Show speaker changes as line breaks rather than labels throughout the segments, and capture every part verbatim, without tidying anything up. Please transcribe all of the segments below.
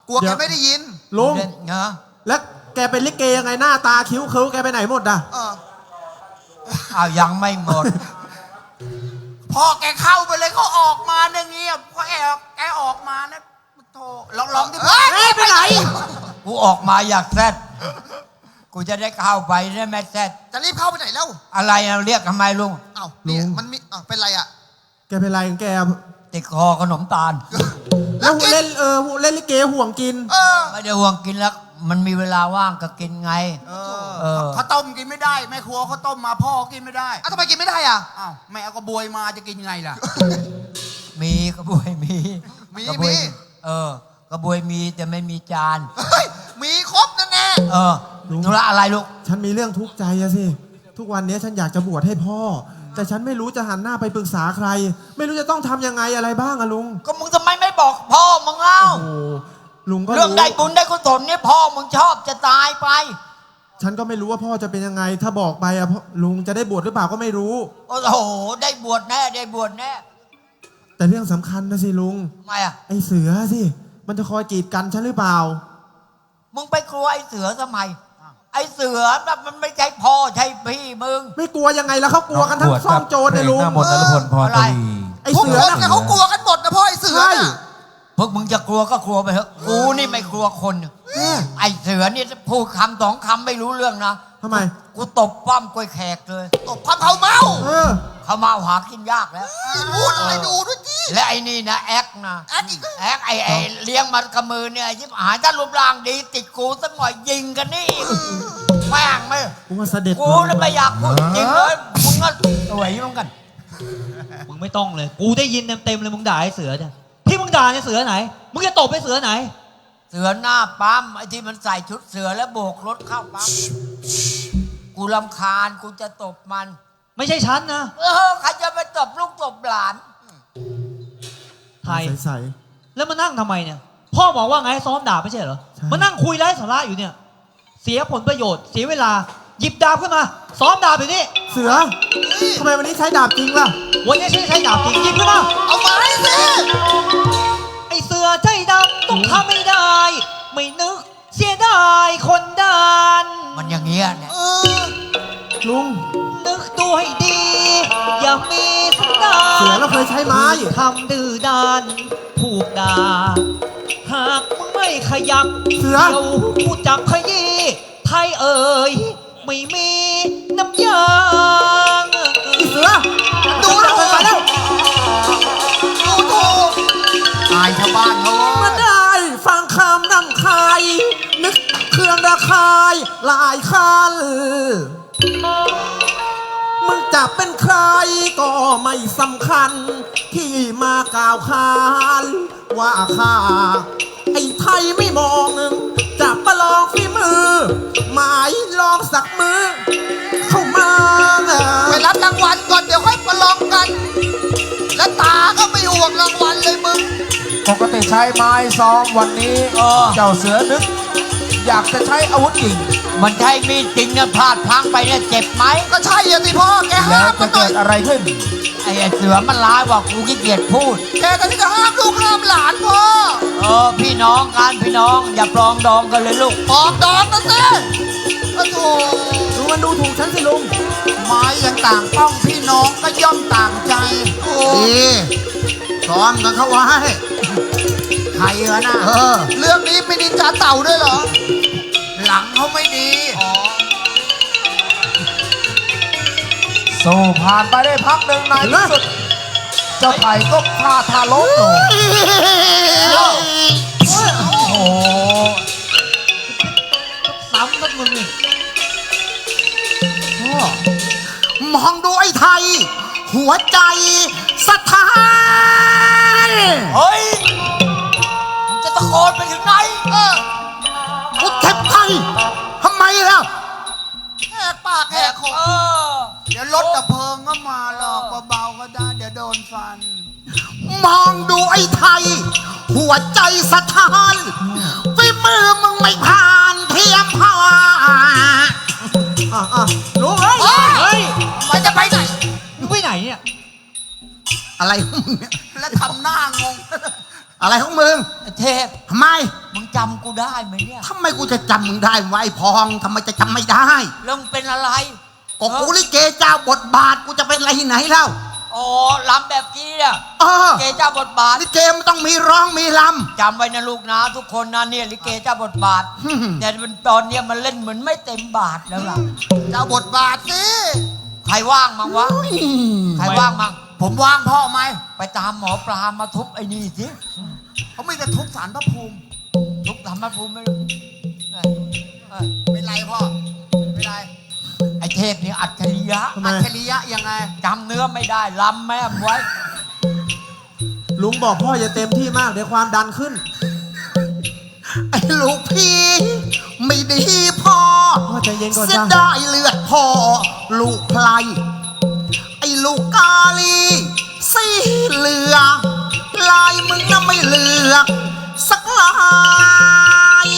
กลัวแกไม่ได้ยิน
ลุง
เนาะ
แล้วแกเป็นลิเกยังไงหน้าตาคิ้วเคิ้วแกไปไหนหมดอ่ะ
เออ
อ้าวยังไม่หมด
พอแกเข้าไปเลยเขาออกมาเนี่ยเงียบพอแกแกออกมานะโธ่ลองลองดิพ่อ
เฮ้ยไปไหน
กูออกมาอยากแซดกูจะได้เข้าไปได้ไหมแซด
จะรีบเข้าไปไหนแล้ว
อะไรอะเรียกทำไมลุง
เอ้าเนี่ยมันมีเอ้าเป็นไรอ่ะ
แกเป็นไรของแก
ติดคอขนมตาล
แล้วเล่นเออเล่นลิเกห่วงกิน
เออ
ไม่ได้ห่วงกินแล้ว มันมีเวลาว่างก็กินไง
เอ
เอ
อ
อ
ข้าวต้มกินไม่ได้แม่ครัวข้าวต้มมาพ่อกินไม่ได้อ้าวทำไมกินไม่ได้อ่ะอ้าวแม่เอากระบวยมาจะกินไงล่ะ
มีกระบวยมี
มี
กระบวย
มี
เออกระบวยมีแต่ไม่มีจาน
เฮ้ยมีครบนั่นแน่
เออธุระอะไรลูก
ฉันมีเรื่องทุกข์ใจอะสิทุกวันนี้ฉันอยากจะบวชให้พ่อ แต่ฉันไม่รู้จะหันหน้าไปปรึกษาใคร ไม่รู้จะต้องทำยังไงอะไรบ้างอะลุง
ก็มึงทำไมไม่บอกพ่อมึงเล่า
โอ้โหลุงก็
เรื่อง
รู้
ได้บุญได้กุศลเนี่ยพ่อมึงชอบจะตายไป
ฉันก็ไม่รู้ว่าพ่อจะเป็นยังไง ถ้าบอกไปอะพ่อลุงจะได้บวชหรือเปล่าก็ไม่รู้
โอ้โหได้บวชแน่ได้บวชแน่
แต่เรื่องสำคัญนะสิลุง
ทำไมอ่ะ
ไอเสือสิมันจะคอยกีดกันฉันหรือเปล่า
มึงไปกลัวไอ้เสือทำไมไอ้เสือแบบมันไม่ใช่พ่อใช่พี่มึง
ไม่กลัวยังไงแล้วเขากลัวกันทั้งซ่องโจรเนี่ยลุง
หน้ามนต์นรพลพรตรี
ไอ
ทุก
เสือ
คน
น่ะ
เนี่ยเขากลัวกันหมดนะพ่อไอ้เสือ
ใช่
น่ะ
พวกมึงจะกลัวก็กลัวไปเถอะกูนี่ไม่กลัวคน
แม่
ไอ้เสือนี่พูดคำสองคำไม่รู้เรื่องนะ
ทำไม
กูตบป้อมกล้วยแขกเลย
ตบความเขาเมา
เออ
เขามาหากินยากแล้ว
พูดอะไรดูด้วยจี
และไอ้นี่นะแอคนะ
แอคอีกแล้ว
แอคไอ้ไอ้เลี้ยงมันกับมือเนี่ยยิบหายถ้ารูปร่างดีติดกูสักหน่อยยิงกันนี่อีกแม่งไม่
กูว่าเสด็จ
กูเลยไม่อยากพูดจริงเลยมึงก็สวยเหมือนกัน
มึงไม่ต้องเลย กูได้ยินเต็มๆเลยมึงด่าไอ้เสือเนี่ยที่มึงด่าเนี่ยเสือไหน มึงจะตบไอ้เสือไหน
เสือหน้าปั๊มไอ้ที่มันใส่ชุดเสือแล้วโบกรถเข้าปั๊มกูรำคาญกูจะตบมัน
ไม่ใช่ฉันนะ
เออใครจะไปตบลูกตบหลาน
ไทย
ใส
แล้วมานั่งทำไมเนี่ย พ่อบอกว่าไงให้ซ้อมด่าไม่ใช่เหรอ
ใช่
มานั่งคุยไร้สาระอยู่เนี่ย เสียผลประโยชน์ เสียเวลา หยิบดาบขึ้นมา ซ้อมดาบอยู่นี่
ๆเสือทำไมวันนี้ใช้ดาบจริงล่ะ
วันนี้ใช้ใช้ดาบจริงหยิบขึ้นมา
เอาไม้สิ
ไอเสือใจดำต้องทำไม่ได้ ไม่นึกเสียดายคนดัน
มันอย่างเงี้ยเนี่ย
เออ
ลุง
นึกตัวให้ดี อย่ามีสันดาน
เสือเราเคยใช้ไม้
ทำดื้อดานผูกดาหากมึงไม่ขยับ
เสือ
เดี๋ยวกูจับขยี้ไทยเอ่ยไม่มีน้ำยาง
ไอเสือ
ดู
ดู
ดู
ไปแล้ว
ดูดูอายชาวบ้านเขา
มาได้ฟังคำนำคายนึกเครื่องระคายหลายคันมึงจะเป็นใครก็ไม่สำคัญ ที่มากล่าวขานว่าข้าไอ้ไทยไม่มองจะประลองฝีมือ หมายลองสักมือ เข้ามา
ไปรับรางวัลก่อนเดี๋ยวค่อยประลองกัน และตาก็ไม่ห่วงรางวัลเลยมึง
ปกติใช้ไม้ซ้อมวันนี้
เออ
เจ้าเสือนึก อยากจะใช้อาวุธจริง
มันใช่มีดจริงเนี่ยพลาดพลังไปเนี่ยเจ็บไหม
ก็ใช่อะสิพ่อแก
แล้
ห้าว ม
จะ
มันหน่
เกิ
อย
ดอะไรขึ้น
ไอ้ไอ้เสือมันร้ายว่ากูขี้เกียจพูด
แกก็ที่จะห้ามลูกห้ามหลานพ่อ
เออพี่น้องกันพี่น้องอย่าปลองดองกันเลยลูก
ออกดอกนะสิโอ้โห
ดูมันดูถูกฉันสิลุง
ไม้ยังต่างป้องพี่น้องก็ย่อมต่างใจดีซ้อมกันเข้าไว้
ใครวะน่ะ
เออ เรื่องนี้ไม่นินจาเต่าด้วยเหรอ
หลังเขาไม่ดี
สู้ผ่านไปได้พักหนึ่งในที่สุด เจ้าไผ่ก็พลาดทาล้มลงโอ้โห
ซ้ำนักมึงนี่
มองดูไอ้ไทย หัวใจสถาน
เฮ้ยมึงจะตะโกนไปถึงไหน
เออพุทธไทยทำไมล่ะแหกปากแหกคอ
เออ
เดี๋ยวรถดับเพลิงก็มาหรอกเบาๆก็ได้เดี๋ยวโดนฟัน มองดูไอ้ไทย หัวใจสถานฝีมือมึงไม่ผ่านเทียมพา
อ่ะอ่ะลุงเอ้ย
เฮ้ย
มันจะไปไหน
มึงไปไหนเนี่ย
อะไรของมึงเนี่ยแล้วทำหน้างง อะไรของมึง
ไอ้เทพ
ทำไม
มึงจจำกูได้ไหมเนี่ย
ทำไมกูจะจำมึงได้วะไอ้พองทำไมจะจำไม่ได้
เรื่องเป็นอะไร
ก็กูลิเกเจ้าบทบาทกูจะเป็นอะไรที่ไหนเล่า
อ๋อลำแบบนี้เนี่ย
เออ
ลิเกเจ้าบทบาท
ลิเกมันต้องมีร้องมีล
จำไว้นะลูกนะทุกคนนะเนี่ยลิเกเจ้าบทบาท
อืม
แต่มันตอนเนี้ยมันเล่นเหมือนไม่เต็มบาทแล้วล่ะ
ำเจ้าบทบาทสิ
ใครว่างมั้งวะใครว่างมั้ง
ผมว่างพ่อไหม
ไปตามหมอปลามาทุบไอ้นี่สิ
เขาไม่จะทุบสารพระภูมิ
ทุบทำมาภูมิไม่รู้เอ้ยเอ้ย
เป็นไรพ่อเป็นไร
ไอ้เทพนี่อัจฉริยะ
ทำไม
อัจฉริยะยังไง
จำเนื้อไม่ได้ลำแม่มไว้
ลุงบอกพ่ออย่าเต็มที่มากเดี๋ยวความดันขึ้น
ไอ้ลูกพี่ไม่ดีพ่อ
พ่อใจเย็นก่อน
เสีย
จ้ะ
ดายเลือดพ่อลูกไพลไอ้ลูกกาลีสีเหลืองลายมึงน่ะไม่เหลือกสักลาย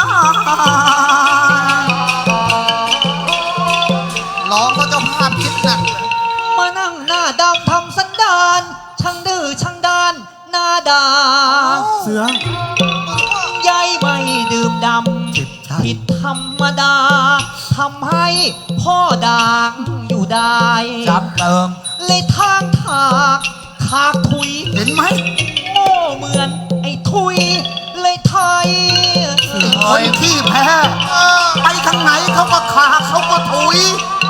ร้องก็เจ้าภาพคิดหนัก
มานั่งหน้าดำทำสันดาน ช่างดื้อช่างดานหน้าด่า
เสือ
ยายไม่ดื่มดำ ผิดธรรมดาทำให้พ่อด่างอยู่ได้
จำเติม
เลยทางถากถากถุย
เห็นไหม
โง่เหมือนไอ้ถุย เลยไทย
คนที่แพ้ไปทางไหนเขาก็ขาเขาก็ถุย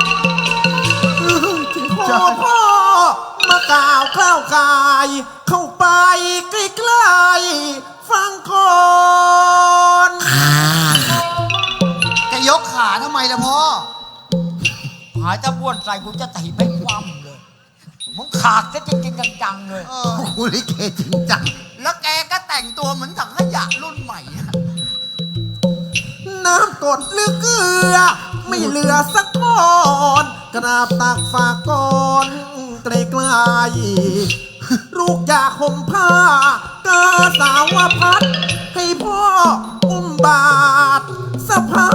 ขอพ่อมากล่าวกล้าวกาย เข้าไปใกล้ๆฟังก่อน
แกยกขาทำไมล่ะพ่อ
หายจะบ้วนใส่กูจะถีบให้คว่ำเลยมึงขาดก็จริงๆจังๆเลย
เออกูลิเกจริงจัง แล้วแกก็แต่งตัวเหมือนถังขยะรุ่นใหม่อะ
น้ำกดหรือเกลือ ไม่เหลือสักก้อนกราบตักฝากก่อนไกลๆลูกอยากห่มผ้ากาสาวพัด ให้พ่ออุ้มบาทสะพาย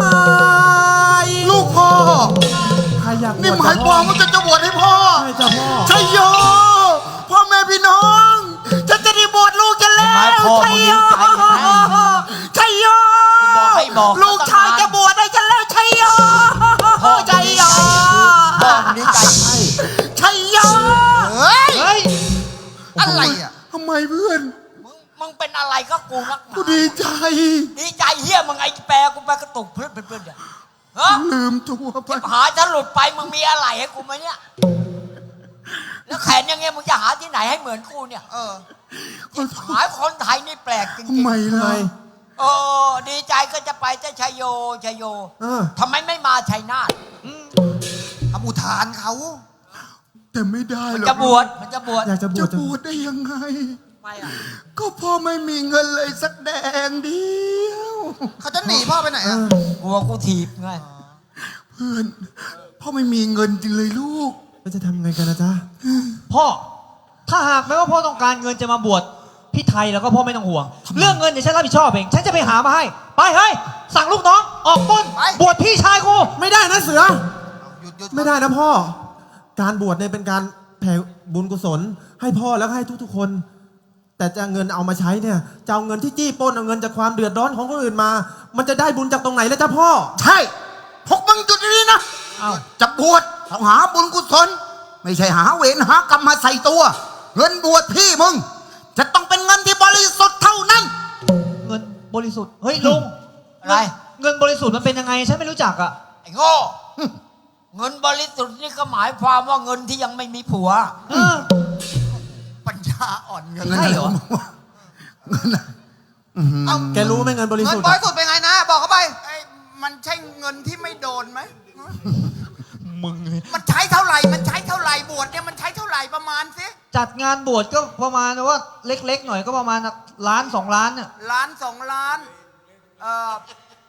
ลูกพ่อ
ใครอยากบวช
นี่หมายความว่าจะจะบวชให้พ่อ
ใช่จ้ะพ่อ
ชัยโย พ่อแม่พี่น้อง จะจะได้บวชลูกกันแล้
หมายว พ่อ
ชัยโย
มึงดีใจไหม
ชัยโย
บอกให้บอก
ลูกชายจะบวชได้กันแล้วชัยโย
พ่อ
ชัยโย
พ่อมึงดีใจไหม
ชัยโยเฮ้ย
เฮ้ย
อะไรอ่ะทำไมเพื่อน
มึงมึงเป็นอะไรก็กูนักหนา
กูดีใจ
ดีใจเฮียมึงไอ้แปรกูไปกระตุกเพื่อนเพื่อนๆเนี่ยฮะ
ลืมตัวไป
หาจะหลุดไปมึงมีอะไรให้กูไหมเนี่ย แล้วแขนอยังไงมึงจะหาที่ไหนให้เหมือนกูเนี่ย
เออ
หายคนไทยนี่แปลกจริง
ทำไม
ทำไม
ล่ะ
ๆโอ้ดีใจก็จะไปจะชัยโยชัยโย
เออ
ทำไมไม่มาชัยนาท
ทำอุทานเขา แต่ไม่ได้
มัน
หรอก
จะบวชมันจะบวช
อยากจะบว
จะ
ชจะ
บวชได้ยังไง
ไม่อะ
ก็พ่อไม่มีเงินเลยสักแดงเดียว เขาจะหนีพ่อไปไหน
เอ
อ่ะ
อก
ลัวกูถีบไง
เพื่อน พ่อไม่มีเงินจริงเลยลูก
แล้วจะทำไงกันนะจ๊ะ
พ่อ ถ้าหากแม้ว่าพ่อต้องการเงินจะมาบวชพี่ไทยแล้วก็พ่อไม่ต้องห่วง เรื่องเงินเดี๋ยวฉันรับผิดชอบเอง ฉันจะไปหามาให้ ไปเฮ้ย สั่งลูกน้อง ออกปล้น
ไป
บวชพี่ชายกู
ไม่ได้นะเสือ
หยุดหยุด
ไม่ได้นะพ่อ การบวชเนี่ยเป็นการแผ่บุญกุศล ให้พ่อแล้วก็ให้ทุกๆคน แต่จะเงินเอามาใช้เนี่ยจะเอาเงินที่จี้ปล้นเอาเงินจากความเดือดร้อนของคนอื่นมา มันจะได้บุญจากตรงไหนแล้วจ้ะพ่อ
ใช่พวกมึงจุดนี้นะ
เอ้า
จะบวชต้องหาบุญกุศล ไม่ใช่หาเวรหากรรมมาใส่ตัว เงินบวชพี่มึง จะต้องเป็นเงินที่บริสุทธิ์เท่านั้น
เงินบริสุทธิ์ เฮ้ยลุง
อะไร
เงินบริสุทธิ์มันเป็นยังไง ฉันไม่รู้จักอ่ะ
ไอ้โง่ เงินบริสุทธิ์นี่ก็หมายความว่าเงินที่ยังไม่มีผัว
เออ
ปัญญาอ่อนเงิน
ใช่เหรอ
เงินอะเอา
แกรู้ไหมเงินบริ
เงิน
สุทธิ์
บ
อะ
ริสุทธิ์เป็นไงนะ บอกเขาไปไอ้มันใช่เงินที่ไม่โดนไหม
มึง
มันใช้เท่าไหร่ มันใช้เท่าไหร่บวชเนี่ยมันใช้เท่าไหร่ประมาณสิ
จัดงานบวชก็ประมาณว่าเล็กๆหน่อยก็ประมาณล้านสองล้านเนี่ย
ล้านสองล้าน เอ่อ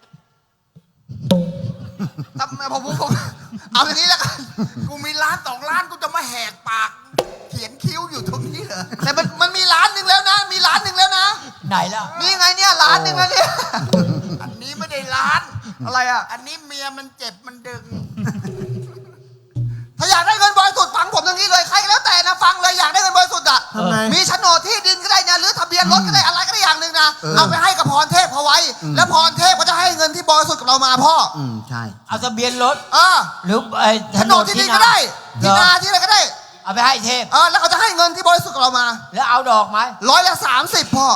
ทำไมผมผมผมเอาอย่างนี้แล้วกัน กูมีล้านสองล้านกูจะมาแหกปาก เขียนคิ้วอยู่ตรงนี้เหรอ แต่มันมันมีล้านหนึ่งแล้วนะ มีล้านหนึ่งแล้วนะ
ไหนล่ะ
นี่ไงเนี่ยล้านหนึ่งแล้วเนี่ย อันนี้ไม่ได้ล้าน อะไรอ่ะ อันนี้เมียมันเจ็บมันดึง
ถ้าอยากได้เงินบริสุทธิ์ฟังผมอย่างนี้เลยใครก็แล้วแต่นะฟังเลยอยากได้เงินบริสุทธิ์อ่ะ
ทำไง
มีโฉนดที่ดินก็ได้นะหรือทะเบียนรถก็ได้อะไรก็ได้อย่างหนึ่งนะ
เออ
เอาไปให้กับพรเทพเขาไว้ แล้วพรเทพก็จะให้เงินที่บริสุทธิ์กับเรามาพ่อ
อืมใช่
เอาทะเบียนรถ
เออ
หรือไอ้
โฉนดที่ดินก็ได้ที่นาที่อะไรก็ได้
เอาไปให้เทพ
เออแล้วเขาจะให้เงินที่บริสุทธิ์กับเรามา
แล้วเอาดอกไหม
ร้อยละสามสิบพ่อ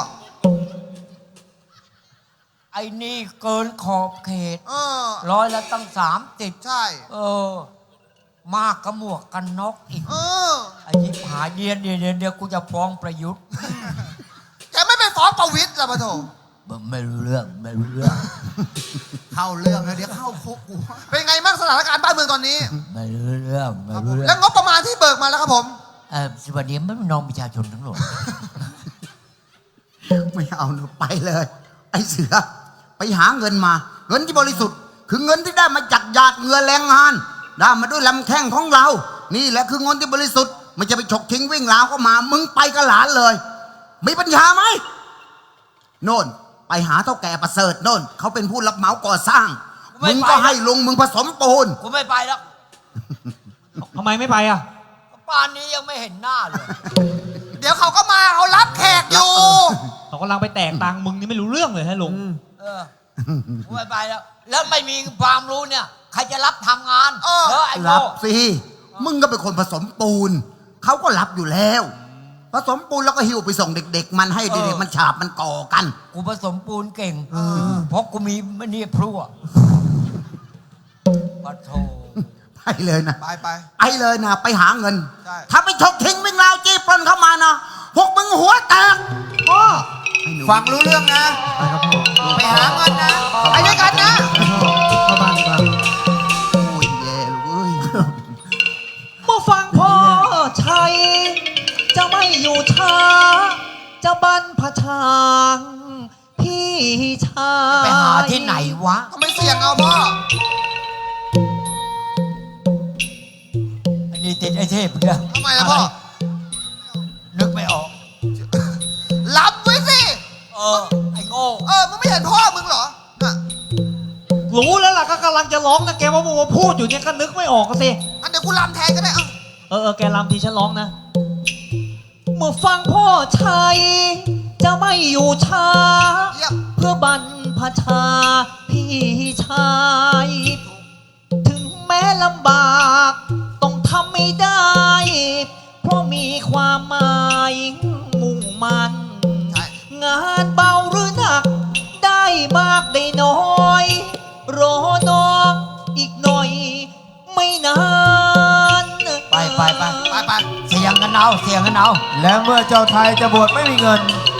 ไอ้นี่เกินขอบเขต
เออ
ร้อยละตั้งสามสิบ
ใช่
เออ มากกระหมวกกันน็อกอีก
เออ
ไอ้ยิบหายเดียนเดียวเดียวเดียวกูจะฟ้องประยุทธ์
แกไม่ไปฟ้องประวิตรละปะโถ
ไม่รู้เรื่องไม่รู้เรื่อง
เข้าเรื่องแล้วเดี๋ยวเข้าคุกกู
เป็นไงบ้างสถานการณ์บ้านเมืองตอนนี้
ไม่รู้เรื่องไม่รู้เรื่
แล้
อ
ว
ง
งบประมาณที่เบิกมาแล้วครับผม
เออสวัสดีไม่น้องประชาชนทั้งหมด
ไม่เอาหนูไปเลย ไอ้เสือไปหาเงินมา เงินที่บริสุทธิ์ คือเงินที่ได้มาจากหยาดเหงื่อแรงงาน ได้มาด้วยลำแข้งของเรา นี่แหละคือเงินที่บริสุทธิ์ไม่จะไปฉกทิ้งวิ่งราวเข้ามา มึงไปกับหลานเลย มีปัญญาไหมโน่นไปหาเท่าแก่ประเสริฐโน่นเขาเป็นผู้รับเหมาก่อสร้าง มึงก็ให้ลุงมึงผสมปูน
กูไม่ไปแล้ว
ทำไมไม่ไปอ่ะ
ป่านนี้ยังไม่เห็นหน้าเลย
เดี๋ยวเขาก็มาเขารับแขกอยู่
เขากำลังไปแตกตังค์มึงนี่ไม่รู้เรื่องเลยฮะลุง
เออกูไม่ไปแล้ว แล้วไม่มีความรู้เนี่ย ใครจะรับทำงาน
เออ
เออไอ้
รั
โง่
บสิ มึงก็เป็นคนผสมปูน เขาก็รับอยู่แล้ว ผสมปูนแล้วก็หิ้วไปส่งเด็ก ๆ มันให้เด็กๆมันฉาบมันก่อกัน
กูผสมปูนเก่งเพราะกูมีมันนี่พลั่วปะโถ
ไปเลยนะ
ไปไป
ไปเลยนะ ไปหาเงิน
ใช่
ถ้าไปฉกทิ้งวิ่งราวจี้ปล้นเข้ามานะ พวกมึงหัวแตกพ่อ
ฟังรู้เรื่องนะ ไปหาเงินนะ ไปด้วยกันนะ
เข้าบ้านดีกว่า
โอ้ยแย่เลย
เมื่อฟังพ่อชัย จะไม่อยู่ช้า จะบรรพชางพี่ชาย
ไปหาที่ไหนวะ
ทำไมเสี่ยงเอาพ่อ
อันนี้ติดไอ้เทพเนี่ย
ทำไมล่ะพ่อ
นึกไม่ออก
รับไว้สิ
เออ ไอ้โง่
เออ มึงไม่เห็นพ่อมึงเหรอน่ะ
รู้แล้วล่ะก็กำลังจะร้องนะแกว่ามึงมาพูดอยู่เนี่ยก็นึกไม่ออกก็สิ
อันเดี๋ยวกูรำแทนก็ได้เอ้า
เออเออแกรำทีฉันร้องนะ เมื่อฟังพ่อชัย จะไม่อยู่ช้า
เยี่ยม
เพื่อบรรพชาพี่ชาย ถึงแม้ลำบาก ต้องทำไม่ได้ เพราะมีความหมายมุ่งมัน
ใช่
งานเบาหรือหนัก ได้มากได้น้อย รอน้องอีกหน่อย ไม่นาน
ไปไปไป
ไปไป
เสียงกันเอาเสียงกันเอา
และเมื่อเจ้าไทยจะบวชไม่มีเงิน